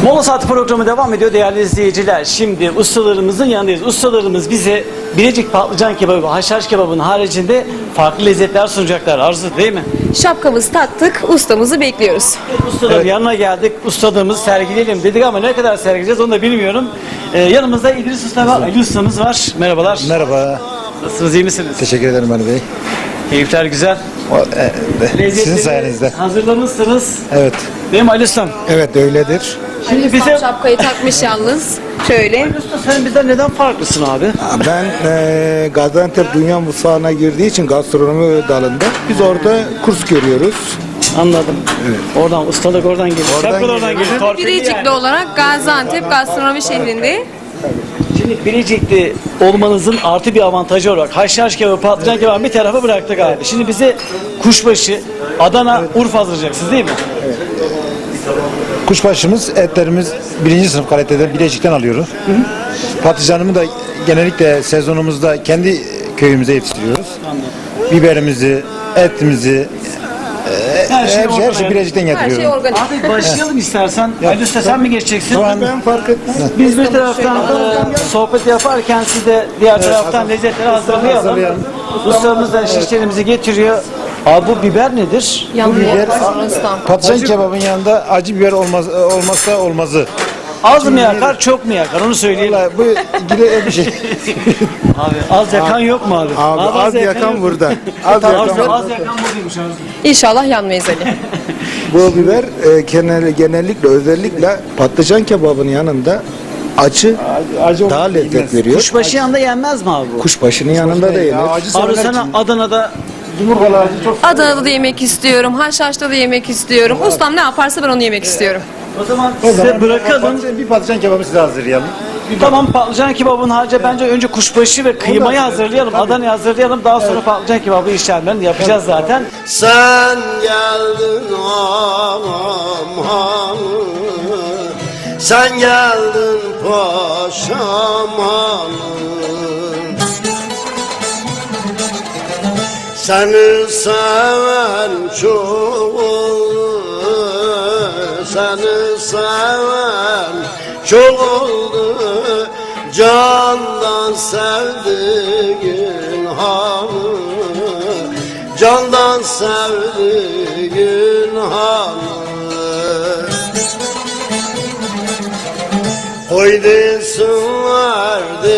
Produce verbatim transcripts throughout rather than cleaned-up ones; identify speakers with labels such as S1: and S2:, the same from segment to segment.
S1: Mola Saati programı devam ediyor değerli izleyiciler. Şimdi ustalarımızın yanındayız. Ustalarımız bize Bilecik patlıcan kebabı, haşhaş kebabının haricinde farklı lezzetler sunacaklar. Arzu değil mi?
S2: Şapkamızı taktık, ustamızı bekliyoruz.
S1: Ustaların evet. yanına geldik. Ustadığımızı sergileyelim dedik ama ne kadar sergileyeceğiz onu da bilmiyorum. Ee, yanımızda İdris Usta ve Ali Ustamız var. Merhabalar.
S3: Merhaba.
S1: Nasılsınız, iyi misiniz?
S3: Teşekkür ederim Ali Bey.
S1: Keyifler güzel.
S3: O, e, sizin sayenizde.
S1: Hazırlamışsınız.
S3: Evet.
S1: Benim Ali Ustam.
S3: Evet öyledir.
S2: Şimdi Ali bize şapkayı takmış yalnız. Şöyle.
S1: Ali Usta sen bizden neden farklısın abi?
S3: Ben e, Gaziantep Dünya Mutfağı'na girdiği için gastronomi dalında biz orada kurs görüyoruz.
S1: Anladım. Evet. Oradan ustalık oradan geliyor.
S3: Oradan
S1: Şapka da oradan
S3: geliyor.
S1: geliyor. Torpilli
S2: Bilecikli
S1: yani.
S2: olarak Gaziantep gastronomi şehrinde.
S1: Şimdi Bilecik'te olmanızın artı bir avantajı olarak haşhaş kebabı, patlıcan kebabı bir tarafa bıraktık abi. Şimdi bize kuşbaşı, Adana, evet. Urfa hazırlayacaksınız değil mi?
S3: Evet. Kuşbaşımız, etlerimiz birinci sınıf kalitede Bilecik'ten alıyoruz. Hı hı. Patlıcanımı da genellikle sezonumuzda kendi köyümüze yetiştiriyoruz. Anladım. Biberimizi, etimizi, her şey, her şey, her şey Bilecik'ten getiriyoruz.
S2: Her şey organik.
S1: Abi başlayalım istersen. Ali Usta sen mi geçeceksin?
S3: Tamam. Ben fark etmez.
S1: Biz bir taraftan e, sohbet yaparken siz de diğer evet, taraftan hazır. lezzetleri hazırlayalım. hazırlayalım. Ustamız da şişlerimizi getiriyor. Abi bu biber nedir?
S2: Yanında
S3: biber, patlıcan kebabın yanında acı biber olmaz, olmazsa olmazı.
S1: Az mı yakar, çok mu yakar? Onu söyleyeyim.
S3: Vallahi bu ilgili bir şey.
S1: Abi az yakan abi, yok mu abi?
S3: Abi, abi az, az yakan, yakan burada. Az,
S1: az,
S3: yakan,
S1: az yakan buradaymış abi.
S2: İnşallah yanmayız Ali.
S3: Bu biber e, genellikle özellikle patlıcan kebabının yanında acı, acı daha lezzet yenmez. veriyor.
S1: Kuşbaşı yanında yenmez mi abi bu?
S3: Kuşbaşının yanında da yenir.
S1: Abi sana Adana'da
S2: Adana'da da yemek istiyorum, Haşhaş'ta da yemek istiyorum. Evet. Ustam ne yaparsa ben onu yemek istiyorum.
S1: O zaman
S3: o
S1: size
S3: zaman
S1: bırakalım.
S3: Bir patlıcan kebabı size hazırlayalım.
S1: Tamam, patlıcan kebabının harcı evet. bence önce kuşbaşı ve kıymayı hazırlayalım. Adana'yı hazırlayalım. Daha sonra evet. patlıcan kebabı işlemlerini yapacağız evet. zaten.
S4: Sen geldin ağam hanım, sen geldin paşam hanım. Seni seven çok oldu, seni seven çok oldu. Candan sevdiğin hanım, candan sevdiğin hanım. Koy desinler,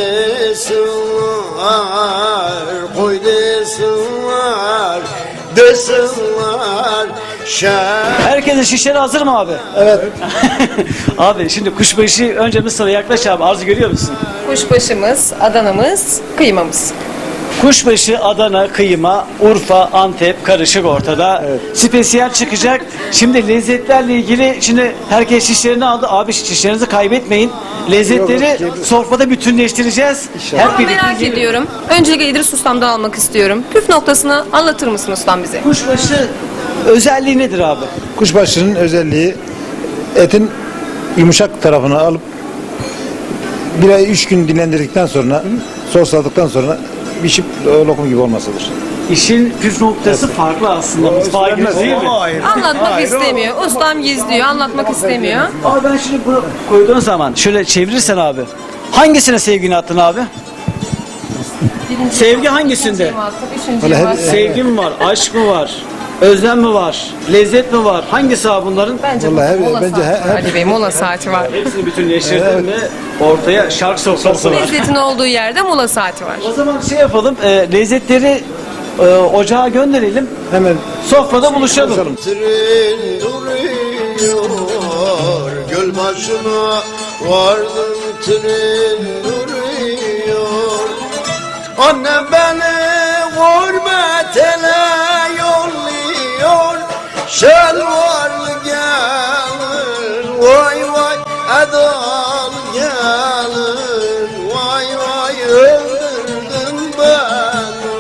S4: desinler, koy desinler, desinler.
S1: Herkesin şişleri hazır mı abi?
S3: Evet.
S1: Abi şimdi kuşbaşı önce Mısır'a yaklaş abi. Arzu görüyor musun?
S2: Kuşbaşımız, Adana'mız, kıymamız.
S1: Kuşbaşı, Adana, kıyma, Urfa, Antep karışık ortada. Evet. Spesiyel çıkacak. Şimdi lezzetlerle ilgili şimdi herkes şişlerini aldı. Abi şişlerinizi kaybetmeyin. Lezzetleri Yok, sofrada bütünleştireceğiz.
S2: Hep birlikte merak gibi. ediyorum. Öncelikle İdris Ustam'dan almak istiyorum. Püf noktasını anlatır mısın ustam bize?
S1: Kuşbaşı özelliği nedir abi?
S3: Kuşbaşının özelliği etin yumuşak tarafını alıp bir ay üç gün dinlendirdikten sonra sosladıktan sonra pişip lokum gibi olmasıdır.
S1: İşin püf noktası evet. farklı aslında. Mutfağa girmez değil mi?
S2: Anlatmak Hayır, istemiyor. O. Ustam gizliyor. Anlatmak istemiyor.
S1: Abi ben şimdi bunu koyduğun zaman şöyle çevirirsen abi. Hangisine sevgini attın abi? Birinci Sevgi hangisinde?
S2: Hep,
S1: Sevgi mi var? Aşk mı var? Özlem mi var? Lezzet mi var? Hangisi abi bunların?
S2: Bence
S3: Vallahi
S2: mola
S3: bence
S2: saati var. Ali Bey mola saati var.
S1: Hepsini bütünleştirdin evet. mi? Ortaya şark sofrası var.
S2: Lezzetin olduğu yerde mola saati var.
S1: O zaman şey yapalım. E, lezzetleri e, ocağa gönderelim. Hemen sofrada şey, buluşalım.
S4: Tren duruyor, göl başına vardım, tren duruyor. Annem beni gurbetele yolluyor, şelvarlı gelin, vay vay edal gelin, vay vay öldürdün beni.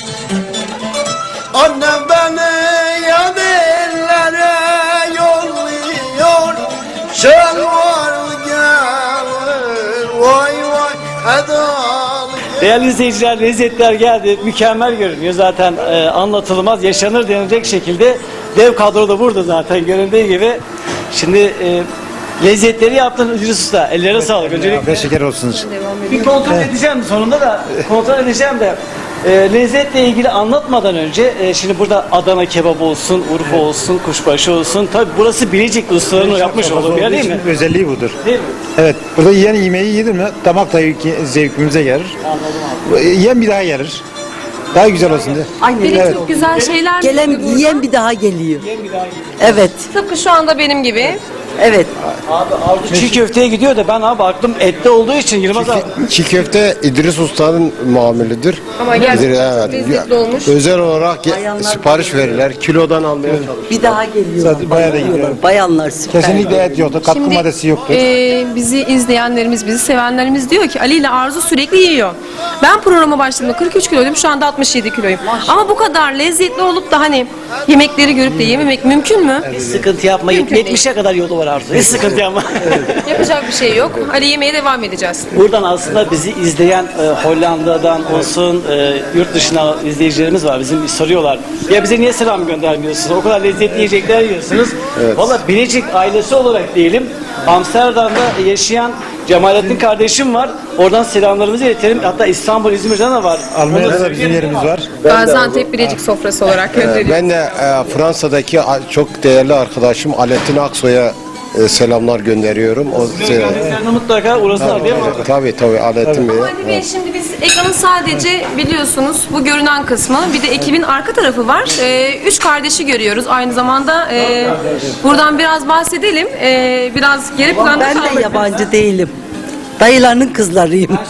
S4: Annem beni yan ellere yolluyor, şelvarlı gelin, vay vay edal.
S1: Değerli izleyiciler, lezzetler geldi. Mükemmel görünüyor. Zaten e, anlatılmaz, yaşanır denilecek şekilde dev kadro da burada zaten göründüğü gibi. Şimdi e, lezzetleri yaptın İdris Usta. Ellerine sağlık. Öncelikle
S3: Afiyet şeker olsun.
S1: bir kontrol edeceğim sonunda da kontrol edeceğim de e, lezzetle ilgili anlatmadan önce e, şimdi burada Adana kebabı olsun, Urfa olsun, kuşbaşı olsun. Tabi burası Bilecikli ustaların yapmış olduğu bir yer değil mi?
S3: Özelliği budur.
S1: Değil mi?
S3: Evet, burada yiyen yemeği yedir mi damak zevki, zevkimize gelir.
S1: Anladım abi.
S3: Yiyen bir daha gelir. Daha güzel olsun diye.
S5: Aynen.
S2: Benim
S3: Evet.
S2: çok güzel şeyler
S5: Gelen
S2: çıktı
S5: yiyen
S2: buradan.
S5: bir daha geliyor.
S1: Yiyen bir daha gidiyor.
S5: Evet.
S2: Tıpkı şu anda benim gibi.
S5: Evet.
S1: Abi Arzu çiğ köfteye gidiyor da ben abi aklım ette olduğu için Yılmaz abi.
S6: Çiğ köfte İdris Usta'nın mamulidir.
S2: Ama gerçekten
S6: İdris-
S2: çok lezzetli olmuş.
S6: Özel olarak ge- sipariş verirler. Kilodan almaya çalışır.
S5: Bir daha geliyorlar.
S3: Zaten bayağı da gidiyor.
S5: Bayanlar süper.
S3: Kesinlikle et yoktur, katkı maddesi yoktur.
S2: e, bizi izleyenlerimiz, bizi sevenlerimiz diyor ki Ali ile Arzu sürekli yiyor. Ben programa başladığımda kırk üç kiloydum, şu anda altmış yedi kiloyum. Ama bu kadar lezzetli olup da hani yemekleri görüp de yememek mümkün mü?
S1: Hiç sıkıntı yapma.
S2: Mümkün değil.
S1: yetmişe kadar yolu var Arzu. Hiç sıkıntı yapma.
S2: Yapacak bir şey yok. Ali yemeye devam edeceğiz.
S1: Buradan aslında bizi izleyen e, Hollanda'dan olsun, e, yurt dışına izleyicilerimiz var. Bizim soruyorlar. Ya bize niye selam göndermiyorsunuz? O kadar lezzetli yiyecekler yiyorsunuz. Valla Bilecik ailesi olarak diyelim. Amsterdam'da yaşayan Cemalettin kardeşim var. Oradan selamlarımızı iletelim. Hatta İstanbul, İzmir'den de var.
S3: Almanya'da da bizim yerimiz var.
S2: Gaziantep Bilecik sofrası olarak gönderiyoruz.
S6: Ben de e, Fransa'daki a- çok değerli arkadaşım Alettin Aksoy'a e, selamlar gönderiyorum. O se-
S1: Geldiklerinde mutlaka uğrasınlar değil mi?
S6: tabii tabii Alettin Bey.
S2: Ali Bey, şimdi biz ekranın sadece biliyorsunuz bu görünen kısmı, bir de ekibin arka tarafı var. Ee, üç kardeşi görüyoruz aynı zamanda. Ee, buradan biraz bahsedelim. Ee, biraz geri planda
S5: Ben de
S2: kalmak.
S5: yabancı değilim. Dayılarının kızlarıyım.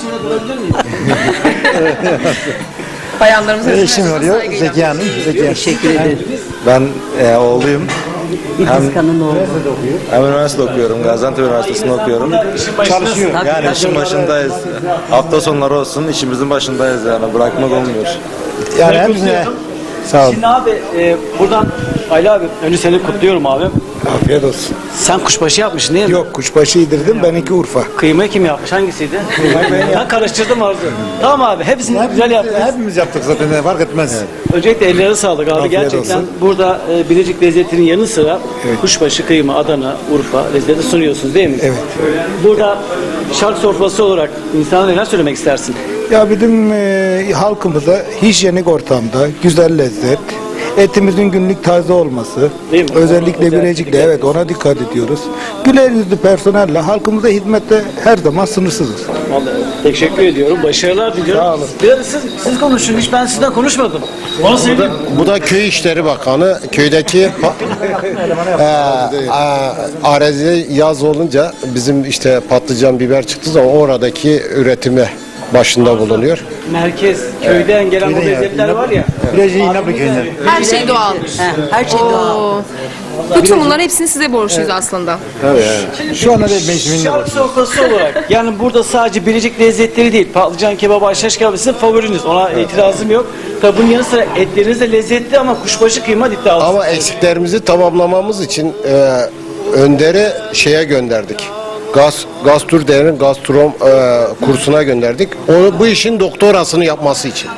S2: Bayanlarımıza
S3: Eşim oluyor, Zeki Hanım. Zeki Hanım.
S5: Teşekkür ederim.
S7: Ben e, oğluyum.
S5: İdris Kan'ın oğlu.
S7: Hem üniversite okuyorum. Gaziantep Üniversitesi'nde okuyorum.
S3: Çalışıyor.
S5: Tabii,
S7: Yani
S5: tabii.
S7: işin başındayız. Hafta sonları olsun işimizin başındayız yani. Bırakmak olmuyor.
S3: Yani hepsine sağ olun.
S1: Şimdi abi e, buradan Ali abi önce seni kutluyorum abi.
S8: Afiyet olsun.
S1: Sen kuşbaşı yapmışsın değil mi?
S8: Yok kuşbaşı yedirdim, benimki Urfa.
S1: Kıymayı kim yapmış? Hangisiydi? Ben karıştırdım Arzu. Tamam abi hepsini güzel yaptınız.
S3: Hepimiz yaptık zaten, ne fark etmez.
S1: Öncelikle ellerine sağlık abi.
S8: Afiyet
S1: Gerçekten
S8: olsun.
S1: burada e, Bilecik lezzetinin yanı sıra kuşbaşı, kıyma, Adana, Urfa lezzeti sunuyorsunuz değil mi?
S8: Evet.
S1: Burada şark sofrası olarak insana neler söylemek istersin?
S8: Ya bizim e, halkımıza hijyenik ortamda güzel lezzet, etimizin günlük taze olması,
S1: Değil mi?
S8: özellikle
S1: Özellikle
S8: Bilecik'te evet ona dikkat ediyoruz. Güler yüzlü personelle halkımıza hizmette her zaman sınırsızız.
S1: Vallahi teşekkür ediyorum. Başarılar diliyorum.
S8: Sağ olun.
S1: Biraz siz, siz konuşun. Hiç ben sizden konuşmadım. Onu söyleyeyim.
S6: Bu da Köy İşleri Bakanı. Köydeki pa- e, a- arazi yaz olunca bizim işte patlıcan, biber çıktığı zaman oradaki üretime başında bulunuyor.
S1: Merkez, köyden gelen bu lezzetler var ya.
S3: Bilecik'in İnaplı köyünden.
S2: Her şey doğal.
S5: He, her şey doğal.
S2: Oo. Bütün bunların hepsini size borçluyuz aslında.
S3: Şu anda da mevsiminde
S1: Şark
S3: var.
S1: sofrası olarak yani burada sadece Bilecik lezzetleri değil. Patlıcan kebabı, haşhaş kebabı sizin favoriniz. Ona itirazım yok. Tabi bunun yanı sıra etleriniz de lezzetli ama kuşbaşı kıyma iddialı.
S6: Ama eksiklerimizi tamamlamamız için e, Önder'i şeye gönderdik. Gaz, Gasturder'in gastrom e, kursuna gönderdik. Onu bu işin doktorasını yapması için.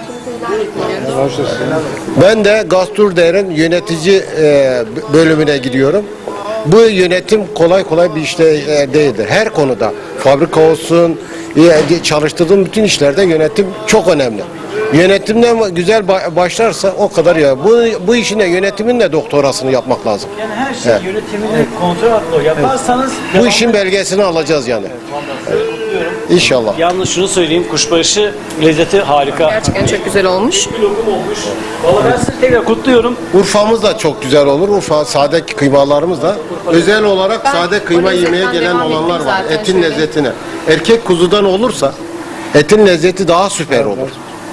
S6: Ben de Gasturder'in yönetici e, bölümüne gidiyorum. Bu yönetim kolay kolay bir işte e, değildir. Her konuda fabrika olsun, e, çalıştırdığım bütün işlerde yönetim çok önemli. Yönetimden güzel ba- başlarsa o kadar ya. Bu bu işin de yönetimin de doktorasını yapmak lazım.
S1: Yani her şey
S6: Evet.
S1: yönetimini kontrol altında yaparsanız
S6: Bu işin belgesini alacağız yani. İnşallah.
S1: yalnız şunu söyleyeyim, kuşbaşı lezzeti harika.
S2: Gerçekten çok güzel olmuş.
S1: Bir lokum olmuş. Vallahi ben sizi tekrar kutluyorum.
S6: Urfa'mız da çok güzel olur. Urfa sade kıymalarımız da. Özel olarak
S2: Ben
S6: sade
S2: o
S6: kıyma
S2: lezzetten
S6: yemeye gelen
S2: devam
S6: olanlar
S2: ettim
S6: var.
S2: zaten
S6: Etin
S2: şöyle.
S6: lezzetine. Erkek kuzudan olursa etin lezzeti daha süper olur.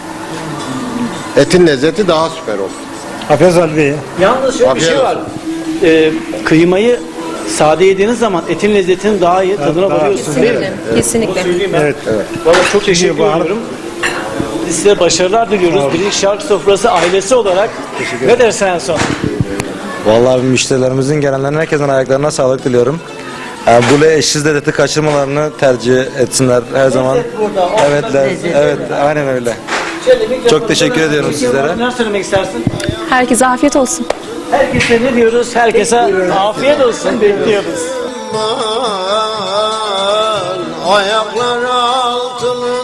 S6: Etin lezzeti daha süper olur.
S3: Afiyet olsun Ali Bey.
S1: Yalnız şöyle bir
S6: Afiyet
S1: şey var. Ee, kıymayı sade yediğiniz zaman etin lezzetinin daha iyi tadına varıyorsunuz değil mi?
S2: Kesinlikle. Kesinlikle.
S1: Söyleyeyim ben.
S3: Evet.
S1: Vallahi çok teşekkür ediyorum. Biz size başarılar diliyoruz. Bilecik Şark Sofrası ailesi olarak. Ne dersen en son?
S7: Vallahi müşterilerimizin gelenlerin herkesin ayaklarına sağlık diliyorum. Yani bu eşsiz lezzeti kaçırmalarını tercih etsinler her zaman.
S1: burada,
S7: Evet,
S5: lezzet.
S7: evet, aynen öyle. Çok teşekkür ediyorum sizlere.
S1: Ne söylemek istersin?
S2: Herkese afiyet olsun.
S1: Herkese ne diyoruz? Herkese afiyet olsun bekliyoruz.
S4: ben, ayaklar altının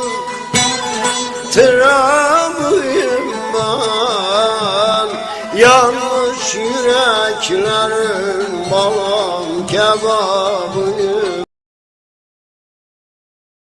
S4: tırabıyım ben. Yanlış yüreklerin balam kebabıyım